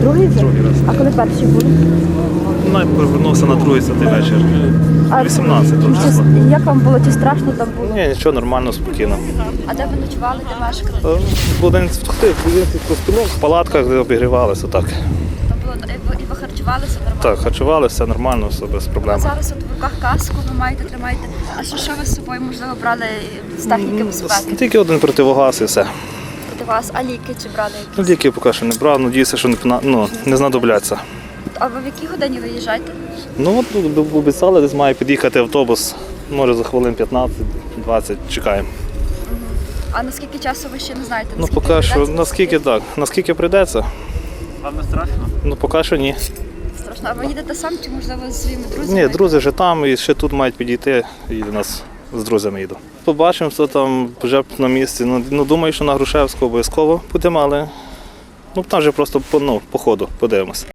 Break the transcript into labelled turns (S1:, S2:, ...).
S1: Другий вже?
S2: Другий раз.
S1: А коли перший були?
S2: Повернувся на другий святий вечір.
S1: А
S2: 18 числа.
S1: Як вам було? Чи страшно там було?
S2: Ні, нічого, нормально, спокійно.
S1: А де ви ночували, де мешкали?
S2: В один в палатках, де обігрівалися, так.
S1: Там було і ви харчувалися нормально?
S2: Так, харчували, все нормально, все без проблем.
S1: Зараз от в руках каску ви маєте, тримаєте. А що ви з собою, можливо, брали з техніки безпеки?
S2: Тільки один противогаз і все.
S1: Проти вас, а ліки чи брали якісь?
S2: Ліки поки що не брав, надіюся, що не знадобляться.
S1: А ви в якій годині виїжджаєте?
S2: Ну от обіцяли, десь має під'їхати автобус, може за хвилин 15-20 чекаємо.
S1: А наскільки часу ви ще не знаєте?
S2: Ну поки що, наскільки прийдеться.
S3: Вам не страшно?
S2: Ну поки що ні.
S1: Страшно. А ви їдете сам чи, можливо, зі своїми друзями?
S2: Ні, друзі вже там і ще тут мають підійти, і до нас з друзями їду. Побачимо, що там вже на місці. Ну думаю, що на Грушевську обов'язково будемо, але там вже просто по ходу подивимося.